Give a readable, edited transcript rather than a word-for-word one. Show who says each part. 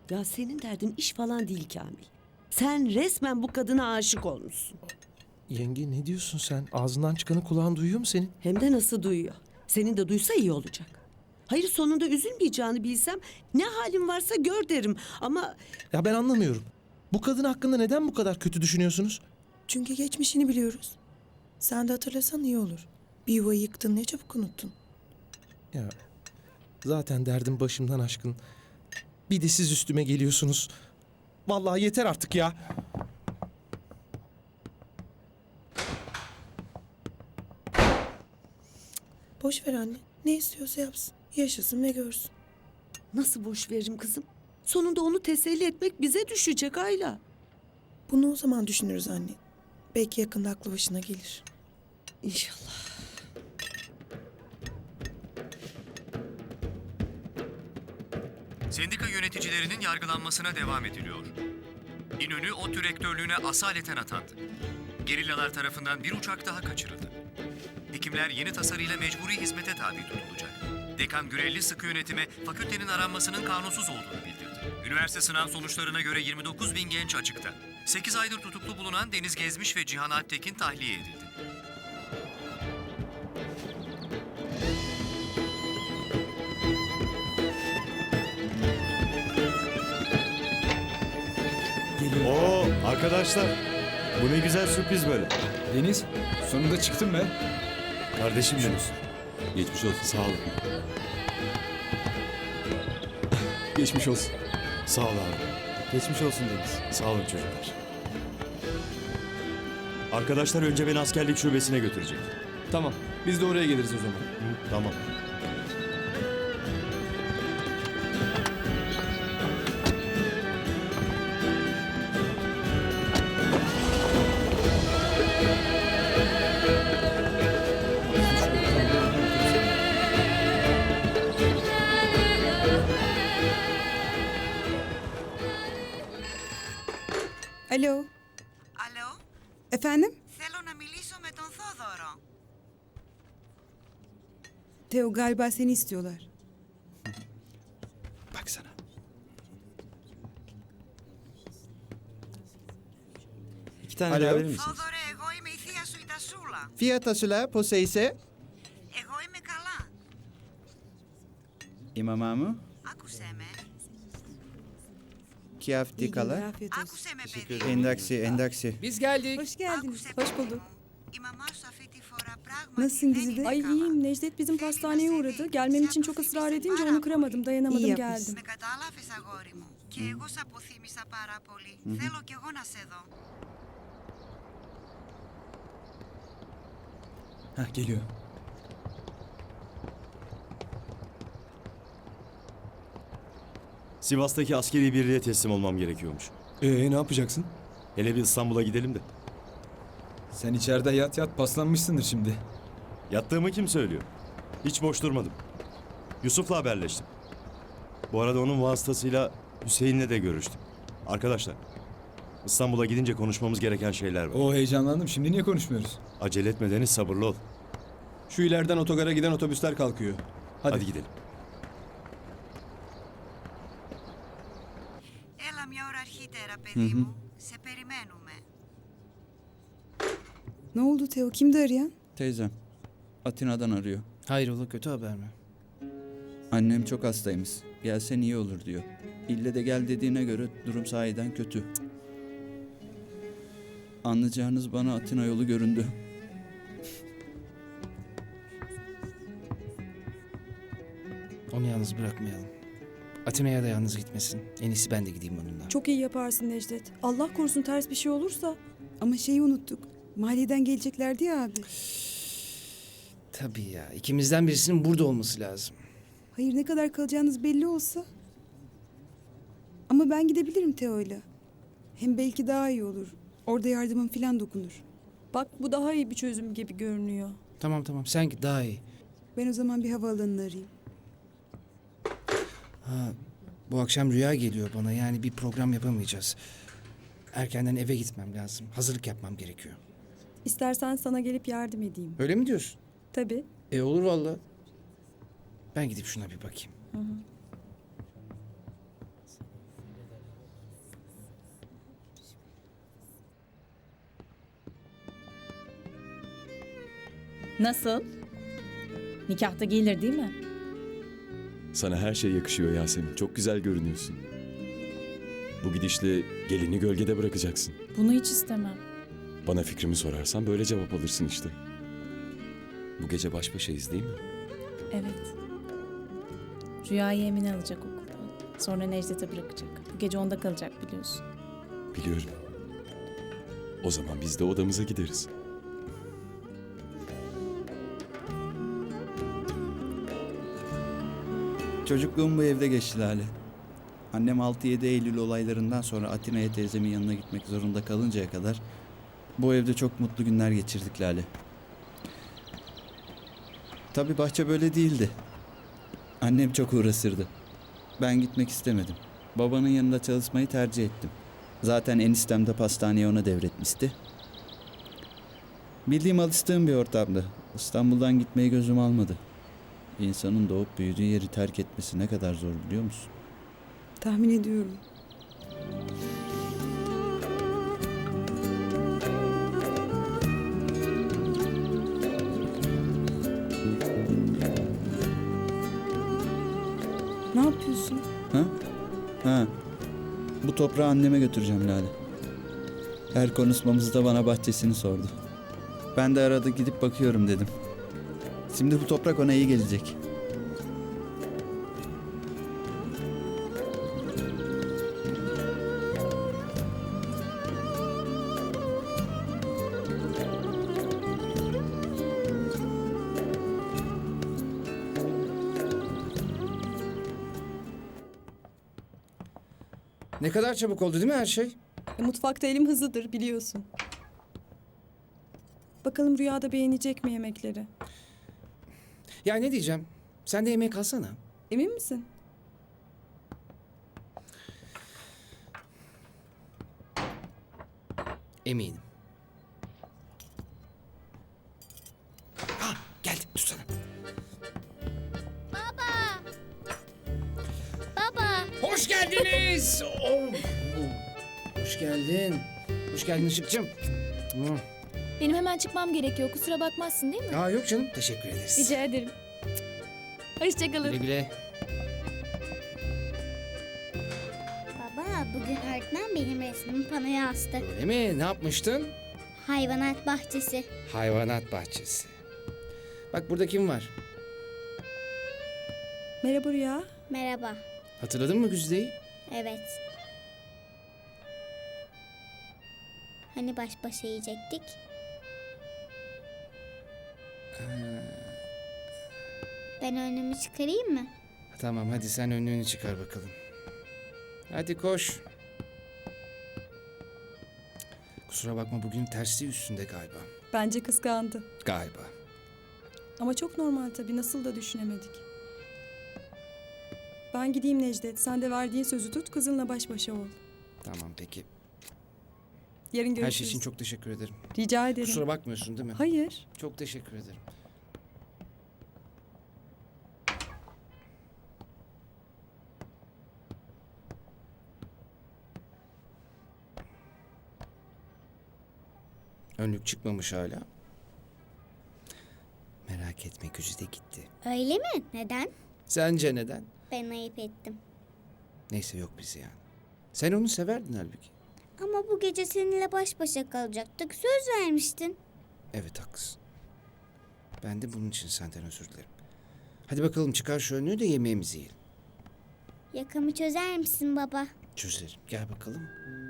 Speaker 1: Ya senin derdin iş falan değil Kamil. Sen resmen bu kadına aşık olmuşsun.
Speaker 2: Yenge ne diyorsun sen? Ağzından çıkanı kulağın duyuyor mu senin?
Speaker 1: Hem de nasıl duyuyor. Senin de duysa iyi olacak. Hayır sonunda üzülmeyeceğini bilsem ne halin varsa gör derim. Ama
Speaker 2: Ya ben anlamıyorum. Bu kadın hakkında neden bu kadar kötü düşünüyorsunuz?
Speaker 3: Çünkü geçmişini biliyoruz. Sen de hatırlasan iyi olur. Bir yuvayı yıktın, ne çabuk unuttun.
Speaker 2: Ya zaten derdim başımdan aşkın. Bir de siz üstüme geliyorsunuz. Vallahi yeter artık ya.
Speaker 3: Boş ver anne. Ne istiyorsa yapsın. Yaşasın ve görsün.
Speaker 1: nasıl boş veririm kızım? Sonunda onu teselli etmek bize düşecek Ayla.
Speaker 3: Bunu o zaman düşünürüz anne. Belki yakında aklı başına gelir.
Speaker 1: İnşallah.
Speaker 4: Sendika yöneticilerinin yargılanmasına devam ediliyor. İnönü ODTÜ rektörlüğüne asaleten atandı. Gerillalar tarafından bir uçak daha kaçırıldı. Hekimler yeni tasarıyla mecburi hizmete tabi tutulacak. Dekan Gürelli sıkı yönetime fakültenin aranmasının kanunsuz olduğunu bildirdi. Üniversite sınav sonuçlarına göre 29 bin genç açıkta. 8 aydır tutuklu bulunan Deniz Gezmiş ve Cihan Alptekin tahliye edildi.
Speaker 5: Oo arkadaşlar, bu ne güzel sürpriz böyle.
Speaker 6: Deniz, sonunda çıktın be.
Speaker 5: Kardeşim benim.
Speaker 6: Geçmiş olsun.
Speaker 5: Sağ olun.
Speaker 6: Geçmiş olsun.
Speaker 5: Sağ ol abi.
Speaker 6: Geçmiş olsun Deniz.
Speaker 5: Sağ olun çocuklar. Arkadaşlar önce beni askerlik şubesine götürecek.
Speaker 6: Tamam, biz de oraya geliriz o zaman.
Speaker 5: Tamam.
Speaker 7: Alo,
Speaker 8: Alo,
Speaker 7: efendim?
Speaker 8: θέλω να μιλήσω με τον Θόδωρο.
Speaker 7: Teo galiba seni istiyorlar.
Speaker 6: Baksana.
Speaker 9: İki tane
Speaker 6: Alo.
Speaker 9: daha verir misiniz?
Speaker 8: Θόδωρε, εγώ είμαι η θεία σου η Τασούλα.
Speaker 9: Fiyata söyle, poseyse.
Speaker 8: Εγώ είμαι καλά.
Speaker 9: İmamamı,
Speaker 8: Άκουσέ με.
Speaker 9: kıyafeti
Speaker 7: İyi günler,
Speaker 9: kala.
Speaker 7: afiyet olsun.
Speaker 8: Άκουσέ με, παιδί μου.
Speaker 9: Endaksi, endaksi.
Speaker 6: Biz geldik.
Speaker 7: Hoş geldiniz.
Speaker 8: Άκουσέ,
Speaker 7: Hoş
Speaker 8: παιδί
Speaker 7: bulduk.
Speaker 8: μου. Η μαμά σου αυτή τη φορά πράγματι
Speaker 7: Nasılsın
Speaker 8: δεν
Speaker 7: Güzide?
Speaker 8: είναι
Speaker 7: Ay
Speaker 8: καλά.
Speaker 7: iyiyim.
Speaker 10: Necdet bizim
Speaker 8: Θέλει
Speaker 10: pastaneye
Speaker 8: να σε
Speaker 10: uğradı.
Speaker 8: δει.
Speaker 10: Gelmem
Speaker 8: Σε
Speaker 10: için çok ısrar
Speaker 8: αποθύμησε
Speaker 10: edince
Speaker 8: πάρα
Speaker 10: onu
Speaker 8: πολύ.
Speaker 10: kıramadım. Dayanamadım
Speaker 7: İyi
Speaker 10: geldim.
Speaker 8: Με κατάλαβες, αγόρι μου. Και εγώ σε αποθύμησα πάρα πολύ. Θέλω κι εγώ να σε δω.
Speaker 6: Heh, geliyor.
Speaker 5: Sivas'taki askeri birliğe teslim olmam gerekiyormuş.
Speaker 6: Ne yapacaksın?
Speaker 5: Hele bir İstanbul'a gidelim de.
Speaker 6: Sen içeride yat yat paslanmışsındır şimdi.
Speaker 5: Yattığımı kim söylüyor? Hiç boş durmadım. Yusuf'la haberleştim. Bu arada onun vasıtasıyla Hüseyin'le de görüştüm. Arkadaşlar, İstanbul'a gidince konuşmamız gereken şeyler var.
Speaker 6: Oo, heyecanlandım. Şimdi niye konuşmuyoruz?
Speaker 5: Acele etme Deniz, sabırlı ol.
Speaker 6: Şu ileriden otogara giden otobüsler kalkıyor.
Speaker 5: Hadi gidelim.
Speaker 8: Έλα μια ώρα αρχίτερα, παιδί μου. Σε περιμένουμε.
Speaker 7: Ne oldu Teo? Kimdi arayan?
Speaker 9: Teyzem, Atina'dan arıyor.
Speaker 11: Hayrola, kötü haber mi?
Speaker 9: Annem çok hastaymış. Gelsen iyi olur diyor. İlle de gel dediğine göre durum sahiden kötü. Anlayacağınız bana Atina yolu göründü.
Speaker 11: Onu yalnız bırakmayalım. Atina'ya da yalnız gitmesin. En iyisi ben de gideyim onunla.
Speaker 10: Çok iyi yaparsın Necdet. Allah korusun ters bir şey olursa.
Speaker 7: Ama şeyi unuttuk. Mahalleden geleceklerdi ya abi.
Speaker 11: Tabii ya. İkimizden birisinin burada olması lazım.
Speaker 7: Hayır ne kadar kalacağınız belli olsa. Ama ben gidebilirim Teo'yla. Hem belki daha iyi olur. Orada yardımım falan dokunur.
Speaker 10: Bak bu daha iyi bir çözüm gibi görünüyor.
Speaker 11: Tamam tamam, sen git daha iyi.
Speaker 7: Ben o zaman bir havaalanını arayayım.
Speaker 11: Ha, bu akşam Rüya geliyor bana. Yani bir program yapamayacağız. Erkenden eve gitmem lazım. Hazırlık yapmam gerekiyor.
Speaker 10: İstersen sana gelip yardım edeyim.
Speaker 11: Öyle mi diyorsun?
Speaker 10: Tabii.
Speaker 11: Olur vallahi. Ben gidip şuna bir bakayım.
Speaker 12: Nasıl? Nikahta gelir değil mi?
Speaker 13: Sana her şey yakışıyor Yasemin. Çok güzel görünüyorsun. Bu gidişle gelini gölgede bırakacaksın.
Speaker 12: Bunu hiç istemem.
Speaker 13: Bana fikrimi sorarsan böyle cevap alırsın işte. Bu gece baş başayız değil mi?
Speaker 12: Evet. Rüyayı Emine alacak okuldan. Sonra Necdet'e bırakacak. Bu gece onda kalacak biliyorsun.
Speaker 13: Biliyorum. O zaman biz de odamıza gideriz.
Speaker 9: Çocukluğum bu evde geçti Lale. Annem 6-7 Eylül olaylarından sonra Atina'ya teyzemin yanına gitmek zorunda kalıncaya kadar bu evde çok mutlu günler geçirdik Lale. Tabii bahçe böyle değildi. Annem çok uğraşırdı. Ben gitmek istemedim. Babanın yanında çalışmayı tercih ettim. Zaten eniştem de pastaneyi ona devretmişti. Bildiğim alıştığım bir ortamdı. İstanbul'dan gitmeyi gözüm almadı. Bir insanın doğup büyüdüğü yeri terk etmesi ne kadar zor biliyor musun?
Speaker 7: Tahmin ediyorum. Ne yapıyorsun?
Speaker 9: Ha. Bu toprağı anneme götüreceğim Lale. Her konuşmamızda bana bahçesini sordu. Ben de arada gidip bakıyorum dedim. Şimdi bu toprak ona iyi gelecek.
Speaker 11: Ne kadar çabuk oldu değil mi her şey?
Speaker 10: Mutfakta elim hızlıdır biliyorsun. Bakalım Rüya'da beğenecek mi yemekleri?
Speaker 11: Ya ne diyeceğim? Sen de yemeğe kalsana.
Speaker 10: Emin misin?
Speaker 11: Eminim. Geldi tutsana.
Speaker 12: Baba!
Speaker 11: Hoş geldiniz. Hoş geldin. Hoş geldin Işık'cığım.
Speaker 12: Benim hemen çıkmam gerekiyor. Kusura bakmazsın değil mi?
Speaker 11: Aa, yok canım. Teşekkür ederiz.
Speaker 12: Rica ederim. Hoşçakalın.
Speaker 11: Güle güle.
Speaker 14: Baba, bugün öğretmen benim resmimi panoya astı.
Speaker 11: Öyle mi? Ne yapmıştın?
Speaker 14: Hayvanat bahçesi.
Speaker 11: Hayvanat bahçesi. Bak burada kim var?
Speaker 10: Merhaba Rüya.
Speaker 14: Merhaba.
Speaker 11: Hatırladın mı Güzide'yi?
Speaker 14: Evet. Hani baş başa yiyecektik? Ben önümü çıkarayım mı?
Speaker 11: Tamam hadi sen önlüğünü çıkar bakalım. Hadi koş. Kusura bakma bugün tersliği üstünde galiba.
Speaker 10: Bence kıskandı.
Speaker 11: Galiba.
Speaker 10: Ama çok normal tabii. Nasıl da düşünemedik. Ben gideyim Necdet. Sen de verdiğin sözü tut. Kızınla baş başa ol.
Speaker 11: Tamam peki.
Speaker 10: Yarın görüşürüz.
Speaker 11: Her şey için çok teşekkür ederim.
Speaker 10: Rica ederim.
Speaker 11: Kusura bakmıyorsun değil mi?
Speaker 10: Hayır.
Speaker 11: Çok teşekkür ederim. Önlük çıkmamış hala. Merak etme Güzide gitti.
Speaker 14: Öyle mi? Neden?
Speaker 11: Sence neden?
Speaker 14: Ben ayıp ettim.
Speaker 11: Neyse yok bizi yani. Sen onu severdin halbuki.
Speaker 14: Ama bu gece seninle baş başa kalacaktık. Söz vermiştin.
Speaker 11: Evet haklısın. Ben de bunun için senden özür dilerim. Hadi bakalım çıkar şu önlüğü de yemeğimizi yiyelim.
Speaker 14: Yakamı çözer misin baba?
Speaker 11: Çözerim. Gel bakalım.